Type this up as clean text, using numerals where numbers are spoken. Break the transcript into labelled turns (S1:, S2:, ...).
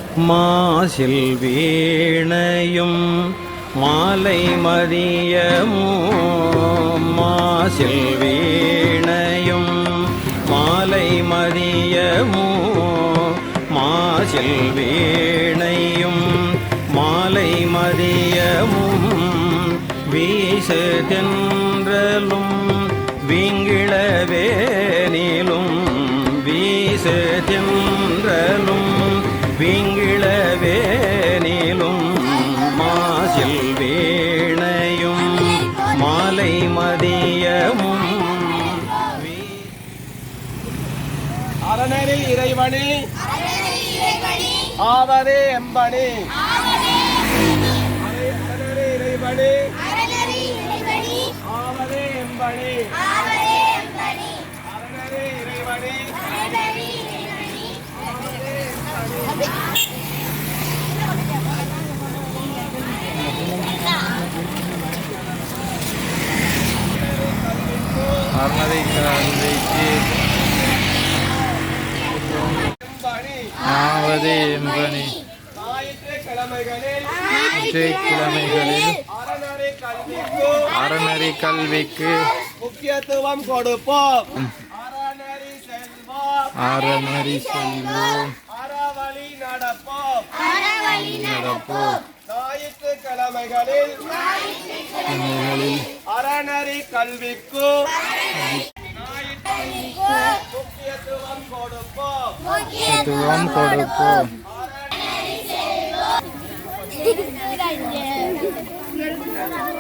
S1: மாசில் வீணையும் மாலை மதியமும் மாசில் வீணையும் மாலை மதியமும் மாசில் வீணையும் மாலை மதியமும் வீசு தென்றலும் வீங்கிழவேனிலும் வீசு தென்றலும் வீங்கிழவேனிலும் மாசில் வீணையும் மாலை மதியமும்
S2: அரணரில் இறைவனே ஆவரே எம்பனே அரணரே இறைவனே ஆவரே எம்பனே அரணரே இறைவனே
S3: அரணரை கல்விக்கு ஆவதே எம்பனி கிழமைகளில் அறநெறி கல்விக்கு
S2: முக்கியத்துவம் கொடுப்போம்.
S3: அறநெறி செல்வோம்
S2: அறவழி நடப்போம்.
S3: ஞாயிற்றுக்கிழமைகளில்
S2: அறநெறி கல்விக்கு முக்கியத்துவம் கொடுப்போம்.
S3: கொடுப்போம்.